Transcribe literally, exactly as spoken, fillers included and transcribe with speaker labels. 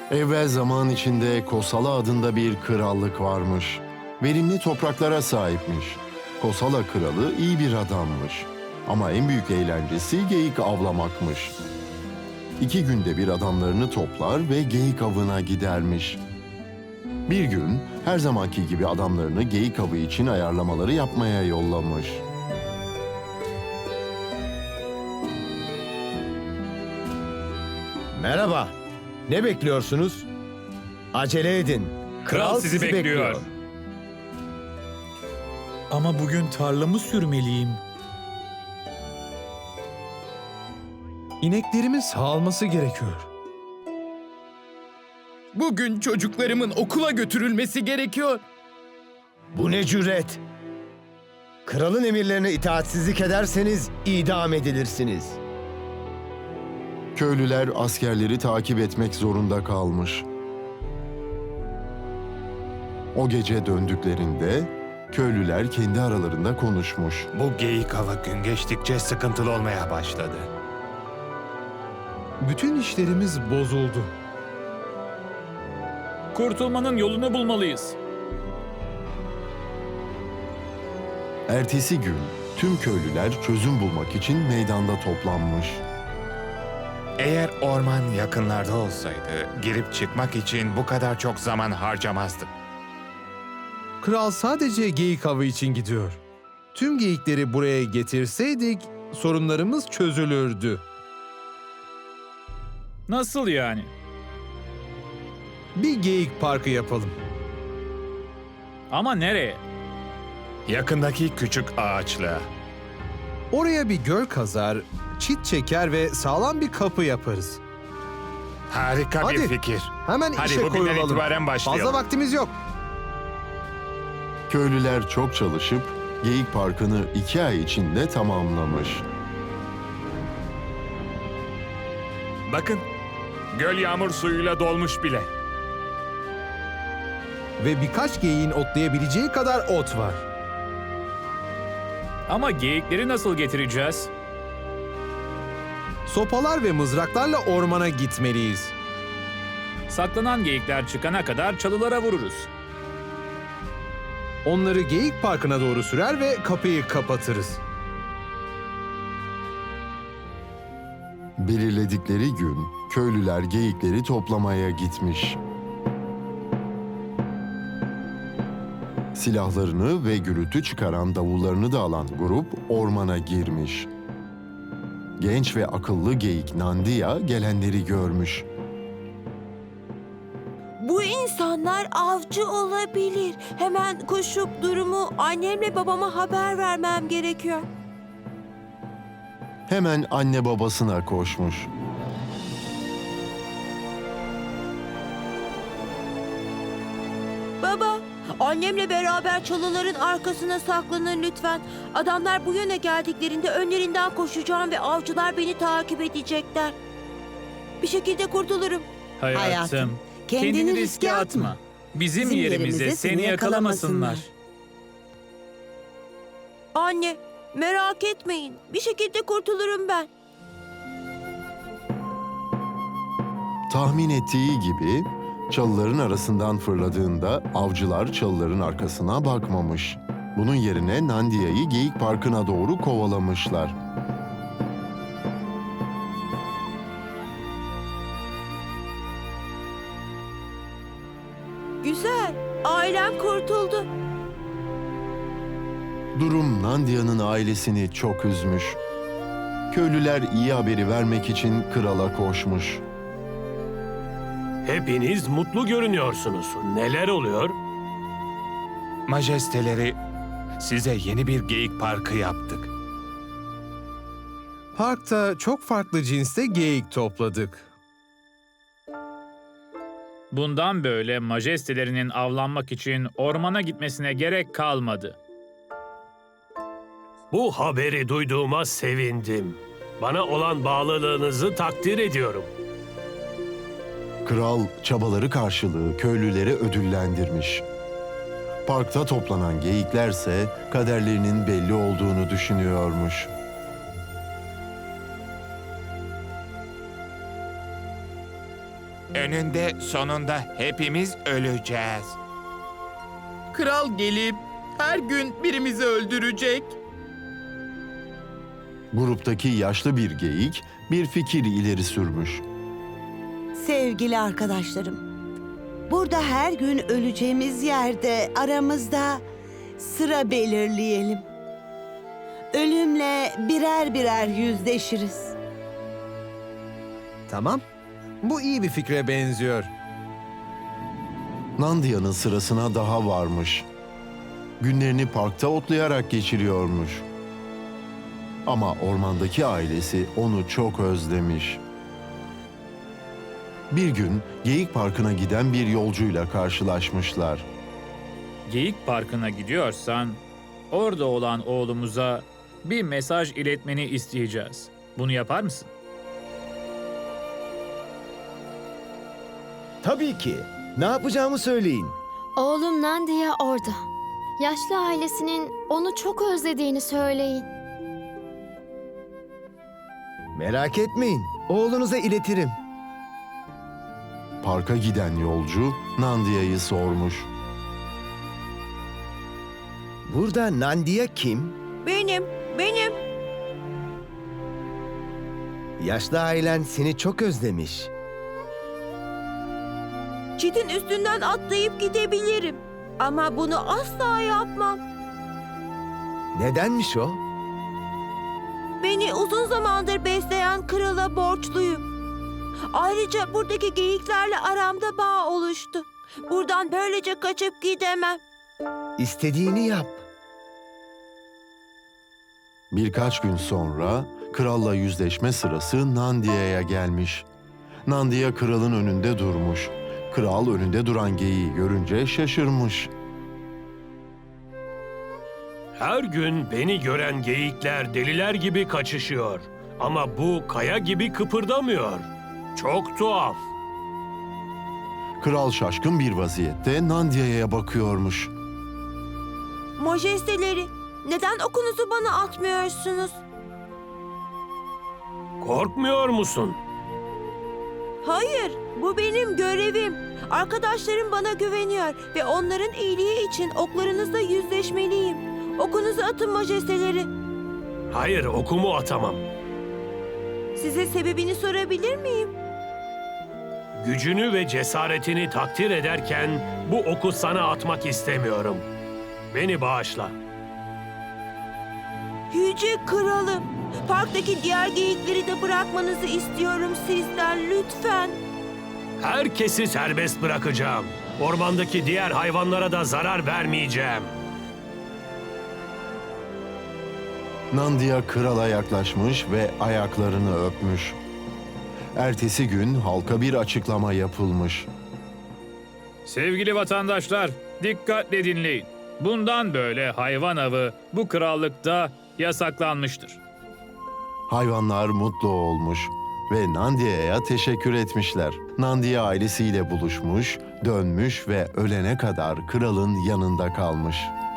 Speaker 1: Evvel zaman içinde Kosala adında bir krallık varmış. Verimli topraklara sahipmiş. Kosala kralı iyi bir adammış. Ama en büyük eğlencesi geyik avlamakmış. İki günde bir adamlarını toplar ve geyik avına gidermiş. Bir gün her zamanki gibi adamlarını geyik avı için ayarlamaları yapmaya yollamış.
Speaker 2: Merhaba. Ne bekliyorsunuz? Acele edin.
Speaker 3: Kral sizi bekliyor.
Speaker 4: Ama bugün tarlamı sürmeliyim. İneklerimin sağalması gerekiyor.
Speaker 3: Bugün çocuklarımın okula götürülmesi gerekiyor.
Speaker 2: Bu ne cüret? Kralın emirlerine itaatsizlik ederseniz idam edilirsiniz.
Speaker 1: Köylüler askerleri takip etmek zorunda kalmış. O gece döndüklerinde köylüler kendi aralarında konuşmuş.
Speaker 5: Bu geyik avı gün geçtikçe sıkıntılı olmaya başladı.
Speaker 4: Bütün işlerimiz bozuldu.
Speaker 3: Kurtulmanın yolunu bulmalıyız.
Speaker 1: Ertesi gün tüm köylüler çözüm bulmak için meydanda toplanmış.
Speaker 5: Eğer orman yakınlarda olsaydı, girip çıkmak için bu kadar çok zaman harcamazdık.
Speaker 6: Kral sadece geyik avı için gidiyor. Tüm geyikleri buraya getirseydik sorunlarımız çözülürdü.
Speaker 3: Nasıl yani?
Speaker 6: Bir geyik parkı yapalım.
Speaker 3: Ama nereye?
Speaker 5: Yakındaki küçük ağaçlığa.
Speaker 6: Oraya bir göl kazar, çit çeker ve sağlam bir kapı yaparız.
Speaker 5: Harika
Speaker 6: Hadi.
Speaker 5: bir fikir.
Speaker 6: Hemen
Speaker 5: Hadi
Speaker 6: işe
Speaker 5: bugünden
Speaker 6: koyulalım.
Speaker 5: itibaren başlayalım.
Speaker 6: Fazla vaktimiz yok.
Speaker 1: Köylüler çok çalışıp Geyik Parkı'nı iki ay içinde tamamlamış.
Speaker 5: Bakın, göl yağmur suyuyla dolmuş bile.
Speaker 6: Ve birkaç geyiğin otlayabileceği kadar ot var.
Speaker 3: Ama geyikleri nasıl getireceğiz?
Speaker 6: Sopalar ve mızraklarla ormana gitmeliyiz.
Speaker 3: Saklanan geyikler çıkana kadar çalılara vururuz.
Speaker 6: Onları Geyik Parkı'na doğru sürer ve kapıyı kapatırız.
Speaker 1: Belirledikleri gün köylüler geyikleri toplamaya gitmiş. Silahlarını ve gürültü çıkaran davullarını da alan grup ormana girmiş. Genç ve akıllı geyik Nandiya gelenleri görmüş.
Speaker 7: Bu insanlar avcı olabilir. Hemen koşup durumu annemle babama haber vermem gerekiyor.
Speaker 1: Hemen anne babasına koşmuş.
Speaker 7: Baba, annemle beraber çalıların arkasına saklanın lütfen. Adamlar bu yöne geldiklerinde önlerinden koşacağım ve avcılar beni takip edecekler. Bir şekilde kurtulurum.
Speaker 3: Hayatım,
Speaker 8: Hayatım,
Speaker 3: kendini,
Speaker 8: kendini
Speaker 3: riske
Speaker 8: riske
Speaker 3: atma.
Speaker 8: atma.
Speaker 3: Bizim,
Speaker 8: Bizim
Speaker 3: yerimize,
Speaker 8: yerimize
Speaker 3: seni
Speaker 8: seni
Speaker 3: yakalamasınlar.
Speaker 8: yakalamasınlar.
Speaker 7: Anne, merak etmeyin. Bir şekilde kurtulurum ben.
Speaker 1: Tahmin ettiği gibi çalıların arasından fırladığında avcılar çalıların arkasına bakmamış. Bunun yerine Nandiya'yı Geyik Parkı'na doğru kovalamışlar.
Speaker 7: Güzel, ailem kurtuldu.
Speaker 1: Durum Nandiya'nın ailesini çok üzmüş. Köylüler iyi haberi vermek için krala koşmuş.
Speaker 9: Hepiniz mutlu görünüyorsunuz. Neler oluyor?
Speaker 5: Majesteleri, size yeni bir geyik parkı yaptık.
Speaker 6: Parkta çok farklı cinste geyik topladık.
Speaker 3: Bundan böyle majestelerinin avlanmak için ormana gitmesine gerek kalmadı.
Speaker 9: Bu haberi duyduğuma sevindim. Bana olan bağlılığınızı takdir ediyorum.
Speaker 1: Kral çabaları karşılığı köylüleri ödüllendirmiş. Parkta toplanan geyiklerse kaderlerinin belli olduğunu düşünüyormuş.
Speaker 5: Önünde sonunda hepimiz öleceğiz.
Speaker 8: Kral gelip her gün birimizi öldürecek.
Speaker 1: Gruptaki yaşlı bir geyik bir fikir ileri sürmüş.
Speaker 10: Sevgili arkadaşlarım, burada her gün öleceğimiz yerde aramızda sıra belirleyelim. Ölümle birer birer yüzleşiriz.
Speaker 6: Tamam. Bu iyi bir fikre benziyor.
Speaker 1: Nandia'nın sırasına daha varmış. Günlerini parkta otlayarak geçiriyormuş. Ama ormandaki ailesi onu çok özlemiş. Bir gün Geyik Parkı'na giden bir yolcuyla karşılaşmışlar.
Speaker 3: Geyik Parkı'na gidiyorsan, orada olan oğlumuza bir mesaj iletmeni isteyeceğiz. Bunu yapar mısın?
Speaker 2: Tabii ki. Ne yapacağımı söyleyin.
Speaker 11: Oğlum Nandiya orada. Yaşlı ailesinin onu çok özlediğini söyleyin.
Speaker 2: Merak etmeyin. Oğlunuza iletirim.
Speaker 1: Parka giden yolcu Nandia'yı sormuş.
Speaker 2: Burada Nandiya kim?
Speaker 7: Benim, benim.
Speaker 2: Yaşlı ailen seni çok özlemiş.
Speaker 7: Çitin üstünden atlayıp gidebilirim. Ama bunu asla yapmam.
Speaker 2: Nedenmiş o?
Speaker 7: Beni uzun zamandır besleyen krala borçluyum. Ayrıca buradaki geyiklerle aramda bağ oluştu. Buradan böylece kaçıp gidemem.
Speaker 2: İstediğini yap.
Speaker 1: Birkaç gün sonra kralla yüzleşme sırası Nandia'ya gelmiş. Nandia kralın önünde durmuş. Kral önünde duran geyiği görünce şaşırmış.
Speaker 9: Her gün beni gören geyikler deliler gibi kaçışıyor. Ama bu kaya gibi kıpırdamıyor. Çok tuhaf.
Speaker 1: Kral şaşkın bir vaziyette Nandia'ya bakıyormuş.
Speaker 7: Majesteleri, neden okunuzu bana atmıyorsunuz?
Speaker 9: Korkmuyor musun?
Speaker 7: Hayır, bu benim görevim. Arkadaşlarım bana güveniyor ve onların iyiliği için oklarınızla yüzleşmeliyim. Okunuzu atın majesteleri.
Speaker 9: Hayır, okumu atamam.
Speaker 7: Size sebebini sorabilir miyim?
Speaker 9: Gücünü ve cesaretini takdir ederken bu oku sana atmak istemiyorum. Beni bağışla.
Speaker 7: Yüce kralım, parktaki diğer geyikleri de bırakmanızı istiyorum sizden lütfen.
Speaker 9: Herkesi serbest bırakacağım. Ormandaki diğer hayvanlara da zarar vermeyeceğim.
Speaker 1: Nandia krala yaklaşmış ve ayaklarını öpmüş. Ertesi gün halka bir açıklama yapılmış.
Speaker 3: Sevgili vatandaşlar, dikkatle dinleyin. Bundan böyle hayvan avı bu krallıkta yasaklanmıştır.
Speaker 1: Hayvanlar mutlu olmuş ve Nandia'ya teşekkür etmişler. Nandia ailesiyle buluşmuş, dönmüş ve ölene kadar kralın yanında kalmış.